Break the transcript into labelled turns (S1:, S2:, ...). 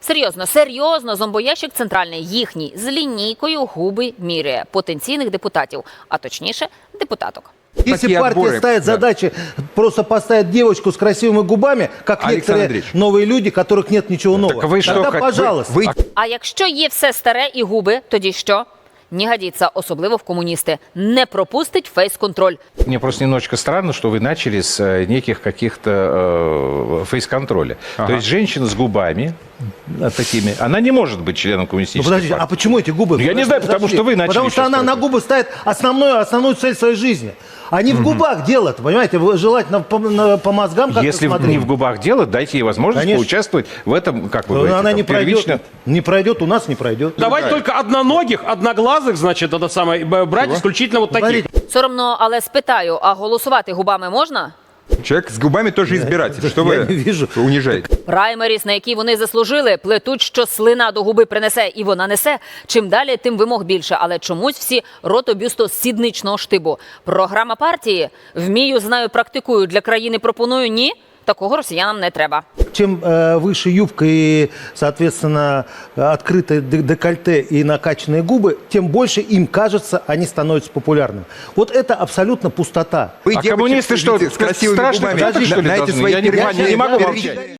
S1: Серйозно, зомбоящик центральний їхній з лінійкою губи міряє потенційних депутатів, а точніше депутаток.
S2: Если партия ставит задачи, просто поставить девочку с красивыми губами, как некоторые новые люди, которых нет ничего нового,
S3: так вы что,
S2: тогда пожалуйста.
S1: А якщо є все старе і губи, тоді що? Не годится, особливо в коммунисты. Не пропустить фейс-контроль.
S3: Мне просто немножечко странно, что вы начали с неких каких-то фейс-контроля. То есть женщина с губами такими, она не может быть членом коммунистической партии.
S2: А почему эти губы?
S3: Я не знаю, потому что вы начали.
S2: Потому что она на губы ставит основную цель своей жизни. А не в губах дело, понимаете? Желательно по мозгам как-то
S3: Если
S2: смотреть.
S3: не в губах дело, дайте ей возможность поучаствовать в этом, как вы говорите.
S2: Она не пройдет, не пройдет, у нас не пройдет.
S4: Давайте только одноногих, одноглазых, значит, это самое, брать исключительно вот таких.
S1: Соромно, але спитаю, а голосувати губами можна?
S5: Человек с губами тоже избиратель. Что
S2: Я
S5: вы
S2: не вижу.
S5: унижаете?
S1: Праймеріс, на які вони заслужили, плетуть, що слина до губи принесе, і вона несе. Чим далі, тим вимог більше. Але чомусь всі ротобюсто сідничного штибу. Програма партії «Вмію, знаю, практикую, для країни пропоную» – ні. Такого росіянам не треба.
S2: Чем выше юбка и, соответственно, открытое декольте и накачанные губы, тем больше им кажется, они становятся популярными. Вот это абсолютно пустота.
S5: Вы,
S3: А
S5: девочек,
S3: коммунисты что,
S5: с красивыми
S3: страшно
S5: губами,
S3: что ли,
S5: на эти
S3: должны?
S5: свои
S3: Я не могу молчать.